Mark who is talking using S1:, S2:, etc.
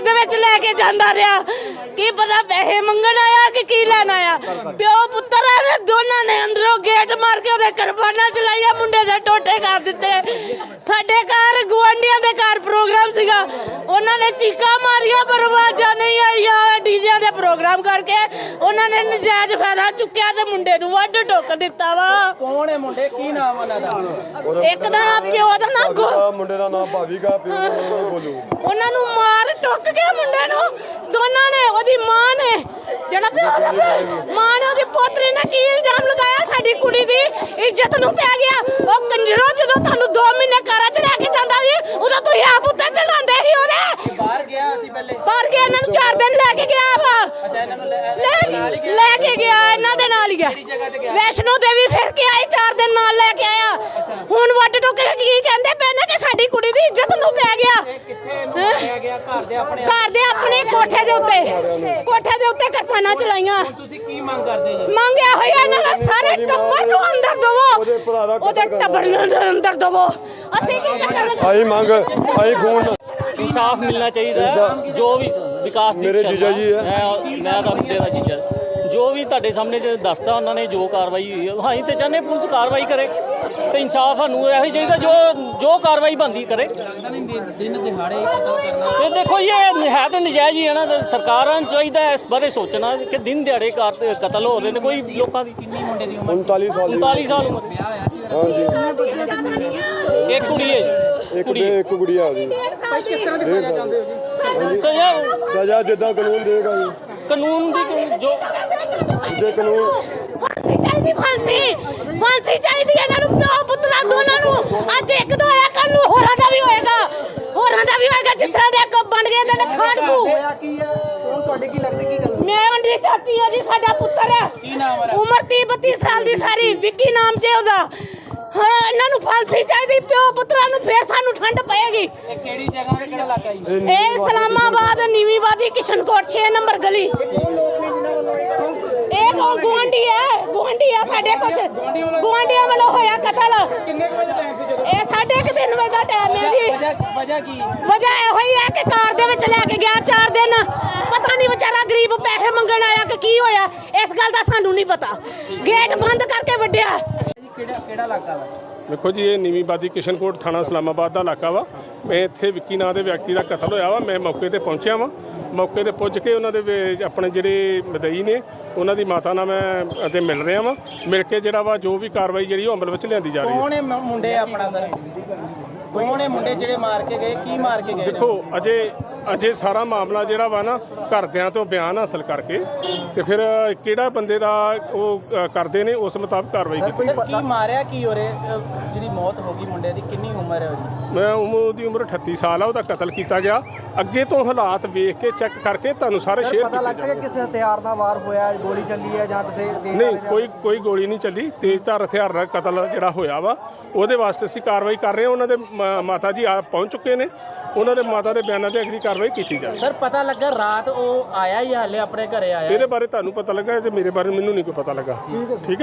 S1: घर दे विच लैके जांदा रहा की पता पैसे मंगण आया कि की लैन आया। प्यो पुत्तर ने दोनों ने अंदरों गेट मार के ओदे करबाना चलाइया मुंडे दे टोटे कर दिते। साडे घर गुआंढियां दे घर प्रोग्राम सीगा उन्होंने चीका मारिया पर आवाज़ां नहीं आईया। डीजे दे प्रोग्राम करके उन्होंने नजायज फायदा चुक्या ते मुंडे नूं वड्ड टुक दिता वा।
S2: कौन है मुंडे की नाम उन्हां दा?
S1: एक दा नाम प्यो दा नाम
S3: मुंडे दा नाम भावीगा प्यो दा नाम बोलू।
S1: ਉਹਨਾਂ ਨੂੰ ਮਾਰ ਟੁੱਕ ਕੇ ਮੁੰਡੇ ਨੂੰ ਦੋਨਾਂ ਨੇ ਉਹਦੀ ਮਾਂ ਨੇ ਜਿਹੜਾ ਮਾਂ ਨੇ ਉਹਦੀ ਪੋਤਰੀ ਨੇ ਕੀ ਇਲਜ਼ਾਮ ਲਗਾਇਆ ਸਾਡੀ ਕੁੜੀ ਦੀ ਇੱਜ਼ਤ ਨੂੰ ਪੈ ਗਿਆ। ਉਹ ਕੰਜਰੋ ਜਦੋਂ ਤੁਹਾਨੂੰ 2 ਮਹੀਨੇ ਘਰਾਂ 'ਚ ਰਹਿ ਕੇ ਜਾਂਦਾ ਸੀ ਉਦੋਂ ਤੁਸੀਂ ਆਪ ਉੱਤੇ ਚੜਾਉਂਦੇ ਸੀ ਉਹਦੇ।
S2: ਬਾਹਰ ਗਿਆ ਸੀ ਪਹਿਲੇ
S1: ਬਾਹਰ ਗਿਆ ਇਹਨਾਂ ਨੂੰ 4 ਦਿਨ ਲੈ ਕੇ ਗਿਆ ਵਾ।
S2: ਅੱਛਾ ਇਹਨਾਂ ਨੂੰ
S1: ਲੈ ਕੇ ਗਿਆ ਇਹਨਾਂ ਦੇ ਨਾਲ ਹੀ ਗਿਆ ਵੈਸ਼ਨੋ ਦੇਵੀ ਫਿਰ ਕੇ ਆਏ 4 ਦਿਨ ਨਾਲ ਲੈ ਕੇ ਆਇਆ। ਹੁਣ ਵੱਡ ਟੁੱਕ ਕੇ ਕੀ ਕਹਿੰਦੇ ਪਏ ਨੇ ਕਿ ਸਾਡੀ ਕੁੜੀ ਦੀ ਇੱਜ਼ਤ ਨੂੰ ਪੈ ਗਿਆ।
S2: ਕਿੱਥੇ ਨੂੰ ਮਾਰਿਆ ਗਿਆ? ਘਰ ਦੇ
S1: ਆਪਣੇ ਕੋਠੇ ਦੇ ਉੱਤੇ ਕਿਰਪਾਨਾਂ ਚਲਾਈਆਂ।
S2: ਤੁਸੀਂ ਕੀ ਮੰਗ ਕਰਦੇ ਜੀ?
S1: ਮੰਗਿਆ ਹੋਇਆ ਇਹਨਾਂ ਦਾ ਸਾਰੇ ਟੱਬਰ ਨੂੰ ਅੰਦਰ ਦਵੋ ਉਹਦੇ ਟੱਬਰ ਨੂੰ ਅੰਦਰ ਦਵੋ। ਅਸੀਂ ਕੀ ਕਰਨਾ?
S3: ਆਈ ਮੰਗ ਆਈ ਖੂਨ
S4: इंसाफ मिलना चाहिए। जो भी विकास दी
S3: मेरे जीजा जी है
S4: मैं तो मुंडे का जीजा जो भी ਤੁਹਾਡੇ ਸਾਹਮਣੇ ਦੱਸਦਾ ਉਹਨਾਂ ਨੇ ਜੋ ਕਾਰਵਾਈ ਹੋਈ ਹੈ ਅਸੀਂ ਤੇ ਚਾਹੁੰਦੇ ਪੁਲਿਸ ਕਾਰਵਾਈ ਕਰੇ ਤੇ ਇਨਸਾਫ ਸਾਨੂੰ ਇਹੋ ਹੀ ਚਾਹੀਦਾ ਜੋ ਕਾਰਵਾਈ ਬਣਦੀ ਕਰੇ।
S2: ਦਿਨ ਦਿਹਾੜੇ ਕਤਲ ਕਰਨਾ
S4: ਤੇ ਦੇਖੋ ਇਹ ਹੈ ਤਾਂ ਨਜਾਇਜ਼ ਹੀ ਹੈ ਨਾ। ਸਰਕਾਰਾਂ ਨੂੰ ਚਾਹੀਦਾ ਇਸ ਬਾਰੇ ਸੋਚਣਾ ਕਿ ਦਿਨ ਦਿਹਾੜੇ ਕਤਲ ਹੋ ਰਹੇ ਨੇ। ਕੋਈ ਲੋਕਾਂ ਦੀ
S2: ਕਿੰਨੀ ਮੁੰਡੇ ਦੀ ਉਮਰ?
S3: 39
S4: ਸਾਲ ਉਮਰ।
S2: ਵਿਆਹ ਹੋਇਆ ਸੀ?
S4: ਹਾਂਜੀ ਇੱਕ ਕੁੜੀ ਹੈ
S3: ਇੱਕ ਗੁੜੀਆ ਉਹਦੀ।
S2: ਕਿਸ ਤਰ੍ਹਾਂ ਦੀ ਸਜ਼ਾ ਚਾਹੁੰਦੇ ਹੋ ਜੀ?
S3: ਸਜ਼ਾ ਜਿੱਦਾਂ ਕਾਨੂੰਨ ਦੇਗਾ ਜੀ।
S4: ਕਾਨੂੰਨ ਦੀ ਜੋ
S3: ਜੇ ਕਾਨੂੰਨ
S1: ਫਾਂਸੀ ਚਾਹੀਦੀ ਇਹਨਾਂ ਨੂੰ ਪਿਓ ਪੁੱਤਰਾਂ ਦੋਨਾਂ ਨੂੰ। ਅੱਜ ਇੱਕ ਦੋ ਹੋਇਆ ਕੱਲ ਨੂੰ ਹੋਰਾਂ ਦਾ ਵੀ ਹੋਏਗਾ ਜਿਸ ਤਰ੍ਹਾਂ ਦੇ ਅੱਗ ਬਣ ਗਏ ਨੇ ਖਾੜਕੂ।
S2: ਹੋਇਆ ਕੀ ਹੈ? ਕੌਣ ਤੁਹਾਡੇ ਕੀ ਲੱਗਦੀ ਕੀ ਗੱਲ?
S1: ਮੈਂ ਉਹਦੀ ਚਾਚੀ ਆ ਜੀ। ਸਾਡਾ ਪੁੱਤਰ ਹੈ
S2: ਕੀ ਨਾਮ ਹੈ?
S1: ਉਮਰ 30-32 ਸਾਲ ਦੀ ਸਾਰੀ ਵਿੱਕੀ ਨਾਮ ਜੇ ਉਹਦਾ। ਹਾਂ ਇਹਨਾਂ ਨੂੰ ਫਾਂਸੀ ਚਾਹੀਦੀ ਪਿਓ ਪੁੱਤਰਾਂ ਨੂੰ ਫੇਰ ਸਾਨੂੰ ਠੰਡ ਪਏਗੀ।
S2: ਇਹ ਕਿਹੜੀ ਜਗ੍ਹਾ ਤੇ ਕਿਹੜਾ ਇਲਾਕਾ ਜੀ?
S1: ਇਹ ਇਸਲਾਮਾਬਾਦ ਨੀਵੀਂਵਾਦੀ ਕਿਸ਼ਨਕੋਟ 6 ਨੰਬਰ ਗਲੀ।
S2: ਕੌਣ ਲੋਕ ਨੇ ਜਿਨ੍ਹਾਂ ਵੱਲੋਂ
S1: ਇਹ ਗੁਆਂਢੀ ਹੈ ਸਾਡੇ ਕੁਛ ਗੁਆਂਢੀਆਂ ਵੱਲੋਂ ਹੋਇਆ ਕਤਲ।
S2: ਕਿੰਨੇ ਵਜੇ ਟਾਈਮ ਸੀ ਜਦੋਂ?
S1: ਇਹ 3:30 ਵਜੇ ਦਾ ਟਾਈਮ ਹੈ ਜੀ।
S2: ਵਜ੍ਹਾ ਕੀ?
S1: ਵਜ੍ਹਾ ਇਹੋ ਹੀ ਹੈ ਕਿ ਕਾਰ ਦੇ ਵਿੱਚ ਲੈ ਕੇ ਗਿਆ 4 ਦਿਨ। ਪਤਾ ਨਹੀਂ ਵਿਚਾਰਾ ਗਰੀਬ ਪੈਸੇ ਮੰਗਣ ਆਇਆ ਕਿ ਕੀ ਹੋਇਆ ਇਸ ਗੱਲ ਦਾ ਸਾਨੂੰ ਨਹੀਂ ਪਤਾ। ਗੇਟ ਬੰਦ ਕਰਕੇ ਵੱਢਿਆ।
S2: ਕਿਹੜਾ ਇਲਾਕਾ ਵਾ?
S5: देखो जी ये नीवींवादी किशनकोट थाना इस्लामाबाद का इलाका वा। मैं इत्थे विक्की नाम के व्यक्ति का कतल होया वा। मैं मौके पर पहुँचा वा। मौके पर पुज के उन्होंने अपने जोड़े मदई ने उन्होंने माता नाल मैं मिल रहा वा। मिल के जोड़ा वा जो भी कार्रवाई जी अमल में लिया जा रही है।
S2: कौन है मुंडे अपना सर? कौन है मुंडे ਜਿਹੜੇ ਮਾਰ ਕੇ ਗਏ? ਕੀ ਮਾਰ ਕੇ ਗਏ?
S5: देखो अजे सारा मामला जोड़ा वा ना घरदियां तो बयान हासिल करके तो फिर किहड़ा बंदे दा वो करते हैं उस मुताबिक कार्रवाई की।
S2: ਕੀ ਮਾਰਿਆ ਕੀ ਹੋ ਰਿਹਾ? ਜਿਹੜੀ ਮੌਤ ਹੋ ਗਈ ਮੁੰਡੇ ਦੀ ਕਿੰਨੀ ਉਮਰ ਹੈ ਉਹਦੀ?
S5: मैं ਉਹਦੀ ਉਮਰ 38 ਸਾਲ ਆ। ਉਹਦਾ ਕਤਲ ਕੀਤਾ ਗਿਆ। ਅੱਗੇ ਤੋਂ ਹਾਲਾਤ ਵੇਖ ਕੇ ਚੈੱਕ ਕਰਕੇ ਤੁਹਾਨੂੰ ਸਾਰੇ ਸ਼ੇਅਰ
S6: ਪਤਾ ਲੱਗ ਸਕਿਆ ਕਿਸ ਹਥਿਆਰ ਨਾਲ ਵਾਰ ਹੋਇਆ? ਗੋਲੀ ਚੱਲੀ ਹੈ ਜਾਂ ਕਿਸੇ
S5: ਨਹੀਂ ਕੋਈ ਗੋਲੀ ਨਹੀਂ ਚੱਲੀ। ਤੇਜ਼ਧਾਰ ਹਥਿਆਰ ਨਾਲ ਕਤਲ ਜਿਹੜਾ ਹੋਇਆ ਵਾ ਉਹਦੇ ਵਾਸਤੇ ਅਸੀਂ ਕਾਰਵਾਈ ਕਰ ਰਹੇ ਹਾਂ। ਉਹਨਾਂ ਦੇ ਮਾਤਾ ਜੀ ਆ ਪਹੁੰਚ ਚੁੱਕੇ ਨੇ। ਉਹਨਾਂ ਦੇ ਮਾਤਾ ਦੇ ਬਿਆਨਾਂ ਤੇ ਅਗਲੀ ਕਾਰਵਾਈ ਕੀਤੀ ਜਾਵੇ।
S2: ਸਰ ਪਤਾ ਲੱਗਾ ਰਾਤ ਉਹ ਆਇਆ ਹੀ ਹਾਲੇ ਆਪਣੇ ਘਰੇ ਆਇਆ?
S5: ਇਹਦੇ ਬਾਰੇ ਤੁਹਾਨੂੰ ਪਤਾ ਲੱਗਾ ਜੇ ਮੇਰੇ ਬਾਰੇ ਮੈਨੂੰ ਨਹੀਂ ਕੋਈ ਪਤਾ ਲੱਗਾ। ਠੀਕ ਹੈ।